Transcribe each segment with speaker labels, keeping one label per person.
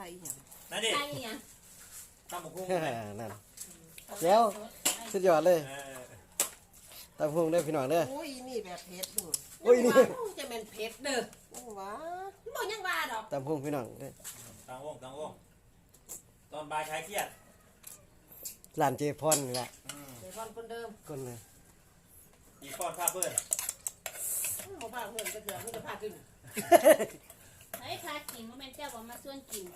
Speaker 1: ายอย่าง
Speaker 2: นั่นดิ
Speaker 3: ใช่ยัง
Speaker 2: ตำบักหุ่ง
Speaker 4: นั่นแล้วสุดยอดเลย
Speaker 2: เออ
Speaker 4: ตำพุงได้พี่น้องเด้อ
Speaker 1: โอ้ยนี่แบบเผ็ดดู
Speaker 4: โอ้ยนี่
Speaker 3: จะเป็นเพชรเด้อ
Speaker 1: โอ้ว้า
Speaker 3: บอกยังว่าดอก
Speaker 4: ตำพุงพี่น้องเด้อ
Speaker 2: ตังวงตอนบ่ายคลายเครียด
Speaker 4: ร้านเจพอนนี่แหละ
Speaker 3: เดี๋ยวก่อนคนเดิม
Speaker 4: คนเลย
Speaker 2: อีกป้อนผ้าเปื้อน
Speaker 3: หมู่บ้านเพื่อนก็เถื่อนไม่จะพาขึ้น
Speaker 5: เฮ้ยพากินว่าแม่นเจ้าบอกมาส่วนกิน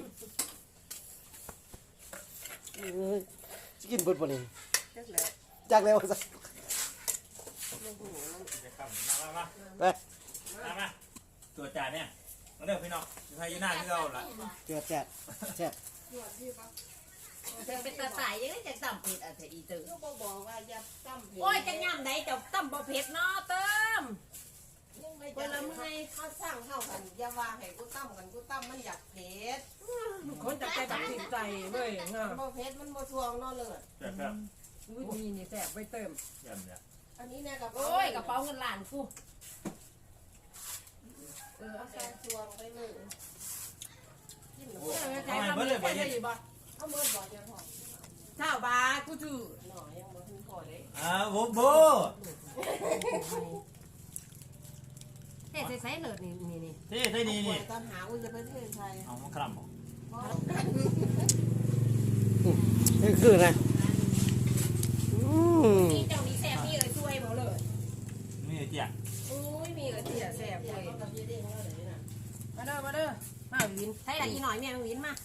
Speaker 4: จะกินเบิดบ่นี่
Speaker 1: จักแหละ
Speaker 4: จากแล้วซะ
Speaker 1: ไม่หูมัน
Speaker 2: จะขับมา
Speaker 4: ไป
Speaker 2: มาตัวจ่าเนี่ยมาเด้อพี่น้องไทยยูน่าที่เราล่ะ
Speaker 4: เจ็ดแซ่บแซ่บ
Speaker 3: เธอเป็นตาตายยังไงจะต่ำเพชรอะไรอีตื่น
Speaker 1: ก็บอกว่าอย่าตั้ม
Speaker 3: โอ้ยจะย่ำไหนจะต่ำบ่เพชรเนาะเติม
Speaker 1: ยังไม่จะละเมื่อเขาสร้างเข้ากันอย่าว่าให้กูตั้มกันกูตั้มมันอยากเผ็ด
Speaker 6: คนจะใจแบบติดใจเว้ยเงา
Speaker 1: มันบ่เผ็ดมันบ่ทวงเนอนเลย
Speaker 2: แบบ
Speaker 6: วิธีนี่แสบไปเติม
Speaker 2: แบบเนี่ย
Speaker 1: อันนี้เนี่ยกับ
Speaker 3: โอ้ยกระเป๋าเงินล้านกู
Speaker 1: เอาใส่ทวงไปเลยกินหรือ
Speaker 3: ใช้คำนี้ใช้ได้อยู่บ่
Speaker 1: เอาเมื่อบ่จะพอ
Speaker 3: เช้าบากูจื้อ
Speaker 1: หน่อยยังบ่ถึงพอเลย
Speaker 2: โบโบ
Speaker 3: เฮ้ใส่เลิศนี่นี่
Speaker 2: ที่ที่นี่นี่
Speaker 1: ตอนหาอุ้ยจะไปเทศไทย
Speaker 2: เอามาคร่ำ
Speaker 4: นี่คือนะอืม
Speaker 3: มีเจ้ามีแซ่บมีเลยช่วยบ่เลย
Speaker 2: นี่เจี๊ย
Speaker 3: อุ้ยมีเลยเสียแซ่บเลย
Speaker 1: กับยี่เด้งแล้วเลยนะ
Speaker 6: มาเด้อมาเด้อมาวิน
Speaker 3: ใช่ละอีหน่อยแม่วินมา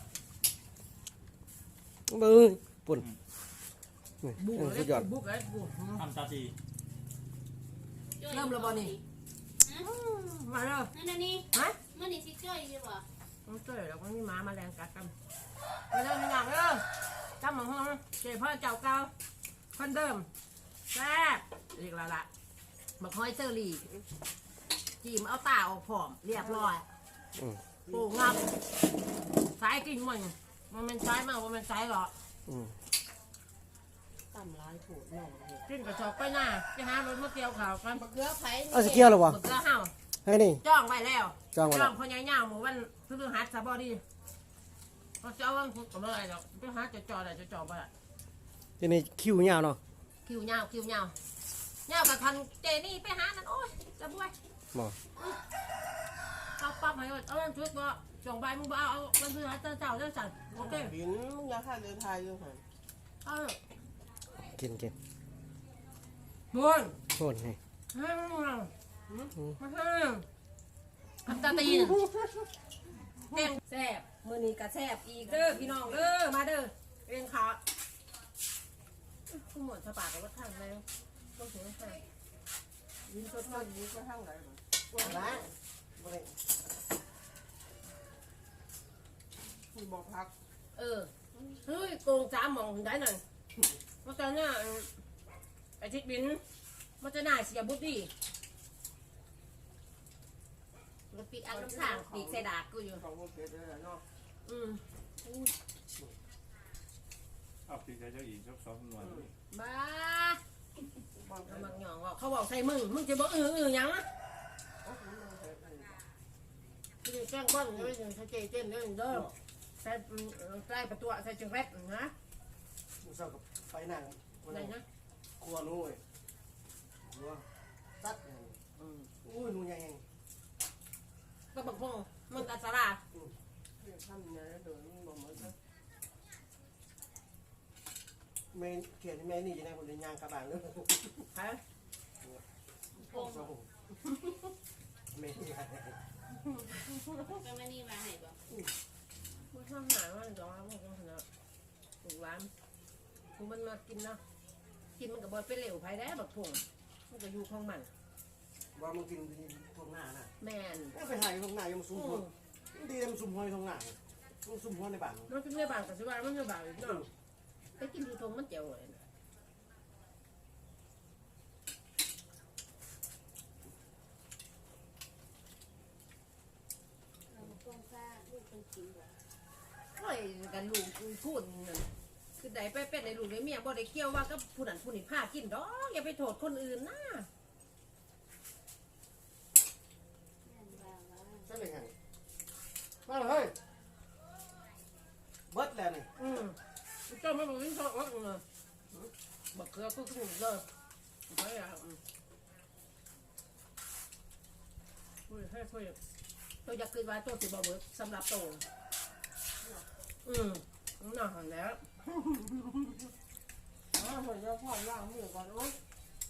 Speaker 4: เบิ้งปุ่น
Speaker 6: บุก
Speaker 4: สุ
Speaker 6: เลย
Speaker 4: ดยอด
Speaker 6: บุกเลยบุก
Speaker 2: ทำตาตี
Speaker 3: เริ่มแล้วบ่นี่
Speaker 6: มาเด้อ
Speaker 5: นั่นนี่
Speaker 6: ฮะ
Speaker 5: มันนี่สิจ้อยอยู่บ่
Speaker 6: ต้องเจอแล้วก็มีหมามาแรงกัดกันมาเด้อมีหนักเด้อจำหมองห้องเจ้พ่อเจ้าเก่าคนเดิมแซ่บอีกแล้วล่ะ
Speaker 3: บักฮอยเซอรี่จีมเอาตาออกผอมเรียบร้อย
Speaker 4: อืม
Speaker 3: โอ้งับสายกินมันเป็นสายมากมันเป็นสายหรอ
Speaker 4: อืม
Speaker 1: ตั้มร้ายผูดหน่อย
Speaker 6: กินกระชอกไปหน้าไปหารถมาเกี่ยวข่าวกัน
Speaker 1: บักเกลือไผ่
Speaker 4: เอาสเกียวหรอวะ
Speaker 3: บักเกลือเห่า
Speaker 4: ให้นี่
Speaker 3: จ้องไว้แล้ว
Speaker 4: จองไว้
Speaker 3: จ้
Speaker 4: แล้
Speaker 3: อ
Speaker 4: ว
Speaker 3: งพญายาวหมู่วันพฤหัสบดีเขาจะเอาวันพุธกับอะไรดอกไปหาจะจอได้จะจอไปละ
Speaker 4: ทีนี้คิวยาวเนาะ
Speaker 3: คิวยาวเงาวกับคันเจนี่ไปหานั่นโอ้ยจะบวย
Speaker 4: บ่
Speaker 3: เอาปั๊บให้เอาวันชุดบ่จงใบมึงบ่เอาวันพฤหัสเจ้าสั่นโอเค
Speaker 1: บินมึงอยากฆ่าเดินทางอยู่หัน
Speaker 3: เอา
Speaker 4: กิน
Speaker 6: บุญ
Speaker 4: โทษให้
Speaker 3: ทำตาตีนเต็มแซ่บมื้อนี้ก็แซ่บอีกเด้อพี่น้องเด้อมาเด้อเรียนขาผู้หมวดสปากกับวัดทางแล้วต้องถึงให้
Speaker 1: บินสดๆนี้ก็ทั้งไหนบ่ละบ่ได้มีบ่พัก
Speaker 3: เฮ้ยโกง3หม่องได้นั่นเพราะฉะนั้นไอ้ทิศบินมันจะน่าเสียบุตรดีรถปีกอันน้ำข้างปีกใส่ดากกูอยู่
Speaker 1: ของบ่เผ็ดเลยเนาะ
Speaker 3: อืม
Speaker 2: เอาตีใจเจ้าหญิงชอบซ้อมนวล
Speaker 3: บ้า
Speaker 1: บ่
Speaker 3: เอามักหยองว่าเขาบอกใส่มึงจะบอกหยังนะคือแกล้งบ้านเลยใส่เจนเลยเด้อใส่ประตูใส่จังแรดนะ
Speaker 4: มึงเศร้ากับไปนั่ง
Speaker 3: ไหนนะ
Speaker 4: ครัวนู้นครัวตัดอุ้ยนู่นยัง
Speaker 3: ก็บอกพงมันตัดสารา
Speaker 1: ทำยังไงเดินบ่เหมือนกัน
Speaker 4: แม่เขียนแม่นี่จะได้คนเดียวยางกระบาลเลย
Speaker 3: ใช่
Speaker 4: โอ้โหแม่นี่
Speaker 5: ก็ไม่นี่มาให้บ่
Speaker 6: บุญทำหนาว่าจะว่าพวกนั้นนะถูกร้านกูมันมากินนะกินมันกับบอยเป็นเหลวไผ่ได้บักผงมันก็อยู่ของมัน
Speaker 4: ว่ามึงกินตรงหน้าน่ะ
Speaker 6: แมน
Speaker 4: ไปถ่ายตรงหน้ายังซุ่มหัวดีมันซุ่มหัวตรงหน้ามึงซุ่มหัวในบ้าน
Speaker 6: มันเป็นเรื่องบางกับสิว่ามันเรื่องบางอีกเนาะไปกินดูทงมันเจ๋วเลย
Speaker 5: เราต้องซ่าลูกต้องกินบ่
Speaker 3: โอ้ยกันลูกพูดนั่นคือใดไปเป็นในลูกในเมียบ่ได้เกี่ยวว่าก็ผู้นั้นผู้นี้พากินดอกอย่าไปโทษคนอื่นนะ
Speaker 5: แม่นว่าว่า
Speaker 4: ใช่ไหมฮะมาเลย
Speaker 6: ไม่บอกวิ่งชอบเลยบักเกลือก็ขึ้นเลยไม่อยากคุยให้คุยตัวอยากกินไว้ตัวสิบเบิร์ดสำหรับตัวน่าหันแล้ว
Speaker 1: เหมือนจะพอล้างมือก่อนโอ๊ย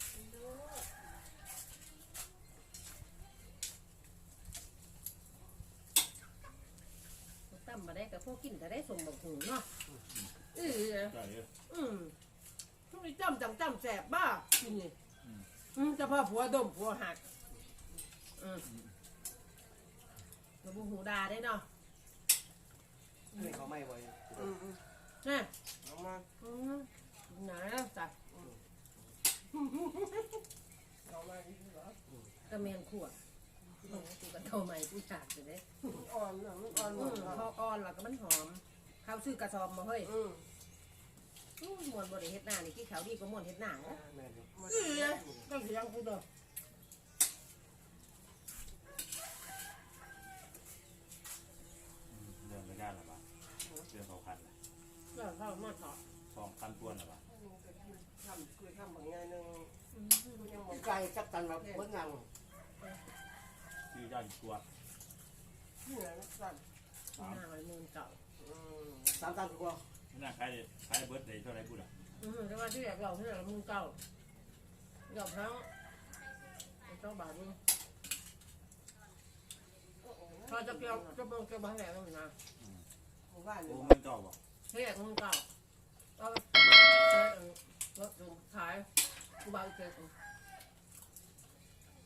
Speaker 6: ตั้มมาได้กับพวกกินแต่ได้สมบักหูเนาะ
Speaker 2: ใช่เยอะ
Speaker 6: ทุกทีจ้ำจังแสบบ้ากินนี่จะพาผัวดมผัวหักเราบุหูดาได้เนาะ
Speaker 4: นี่เขาไม่บ่อย
Speaker 6: นี่
Speaker 4: เอามา
Speaker 6: ไหนแล้วจ้ะ
Speaker 1: เอามาดีเหรอก
Speaker 6: ระเมียนขวดกูกันเท่าใหม่กูฉากเลย
Speaker 1: อ่อนนะมันอ่อนหมด
Speaker 6: พออ่อนแล้วก็มันหอมข้าวซื้อกระสอบมาเฮ้ยมวนบริเฮ็ดหน้านี่ที่เขาดีก็มวนเฮ็ดหน้า
Speaker 4: แม่น
Speaker 6: ก็เสียงกูเด้อ
Speaker 2: เรื่องไม่ได้หรอปะเรื่อง2,000ละ
Speaker 6: ก็เข้ามาถอด
Speaker 2: 2,000ตัวหรอปะ
Speaker 1: ทำคุยทำบางอย่างหนึ่งกูยังบอก
Speaker 4: ไก่จับตันแบบเบิ้งยัง
Speaker 2: ชื่อย่อตัว
Speaker 1: เหนื่อยนะสั่น
Speaker 6: หน้ามันมือเก่า
Speaker 4: 3 ตันกว่า
Speaker 2: ไม่น่าขายเบิร์ดเลยเท่าไรพูดอ่ะ
Speaker 6: แต่ว่าที่อยากเราที่อยากมือเก่าหยอกทั้งเจ้าบาทนึงพอจะเกี่ยวจะเบิ่งจะบ้านแหลมนะ
Speaker 1: หมู่บ้าน
Speaker 2: โอ้
Speaker 1: นี่
Speaker 2: มันเก่าบ่
Speaker 6: ที่อยากมือเก่าเอารถขายกูบาอีกเจอ